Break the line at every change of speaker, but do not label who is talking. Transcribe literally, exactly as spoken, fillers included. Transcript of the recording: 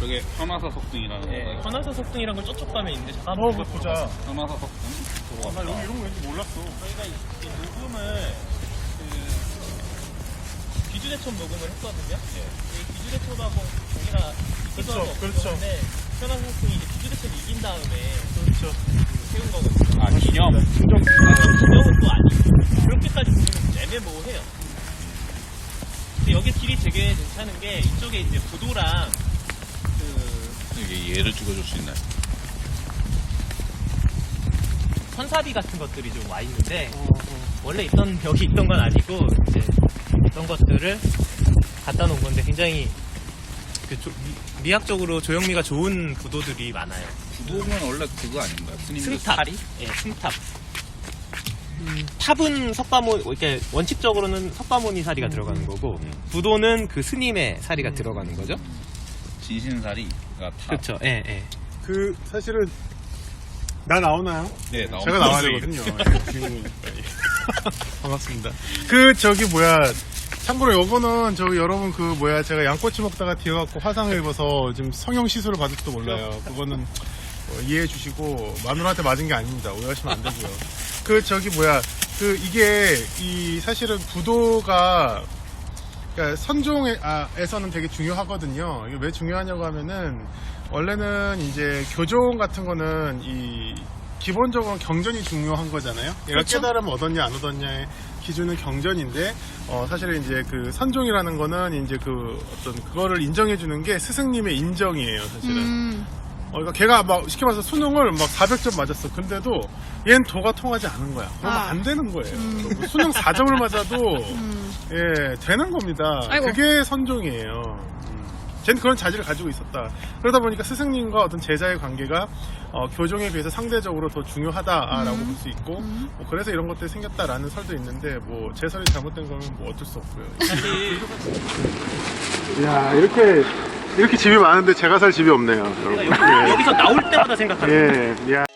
저게 현화사 석등이라는
네,
건가요?
현화사 석등이란 걸 저쪽 가면 있는데 잠깐
어, 그거 보자.
현화사 석등
아, 나 여기 이런 거 왠지 몰랐어.
저희가 이 녹음을 그 귀주대첩 녹음을 했거든요. 네. 이 귀주대첩하고 저희가 이기도 하고
그렇죠, 그렇죠.
없었는데 현화사 석등이 이제 귀주대첩을 이긴 다음에
그렇죠.
그 세운 거거든요.
아 기념?
진정.
기념은 또 아니고 그렇게까지 보면 좀 애매모호해요. 근데 여기 길이 되게 괜찮은 게 이쪽에 이제 부도랑 그
이게 예를 찍어줄 수 있나요?
선사비 같은 것들이 좀 와 있는데 원래 있던 벽이 있던 건 아니고 이제 어떤 것들을 갖다 놓은 건데 굉장히 그 조, 미, 미학적으로 조형미가 좋은 부도들이 많아요.
부도면 원래 그거 아닌가요? 스님들
승탑, 예, 승탑. 음, 탑은 석가모, 이렇게 원칙적으로는 석가모니 사리가 들어가는 거고
음.
부도는 그 스님의 사리가 들어가는 거죠.
진신사리가 탑.
그렇죠. 예, 예.
그, 사실은, 나 나오나요?
네, 나오는
제가 나와야
거지.
되거든요. 예, 주인공이니까. 예. 반갑습니다. 그, 저기, 뭐야. 참고로 요거는, 저기, 여러분, 그, 뭐야. 제가 양꼬치 먹다가 뒤어갖고 화상을 입어서 지금 성형 시술을 받을지도 몰라요. 그거는 어, 이해해 주시고, 마누라한테 맞은 게 아닙니다. 오해하시면 안 되고요. 그, 저기, 뭐야. 그, 이게, 이, 사실은 부도가, 그러니까 선종에서는 되게 중요하거든요. 이게 왜 중요하냐고 하면은 원래는 이제 교종 같은 거는 이 기본적으로 경전이 중요한 거잖아요. 얘가
그렇죠.
깨달음 얻었냐 안 얻었냐의 기준은 경전인데 어 사실은 이제 그 선종이라는 거는 이제 그 어떤 그거를 인정해 주는 게 스승님의 인정이에요, 사실은.
음.
어, 그러니까 걔가 막 쉽게 말해서 수능을 막 사백 점 맞았어. 근데도 얘는 도가 통하지 않은 거야. 그러면
아.
안 되는 거예요. 뭐 수능 사 점을 맞아도
음.
예 되는 겁니다.
아이고.
그게 선종이에요. 음. 쟤는 그런 자질을 가지고 있었다. 그러다 보니까 스승님과 어떤 제자의 관계가 어, 교종에 비해서 상대적으로 더 중요하다라고
음.
볼 수 있고
음.
뭐 그래서 이런 것들이 생겼다라는 설도 있는데 뭐 제 설이 잘못된 거면 뭐 어쩔 수 없고요.
사실
야 이렇게 이렇게 집이 많은데 제가 살 집이 없네요.
제가 여기, 여기서 나올 때마다 생각하는 거예요.
예, 야.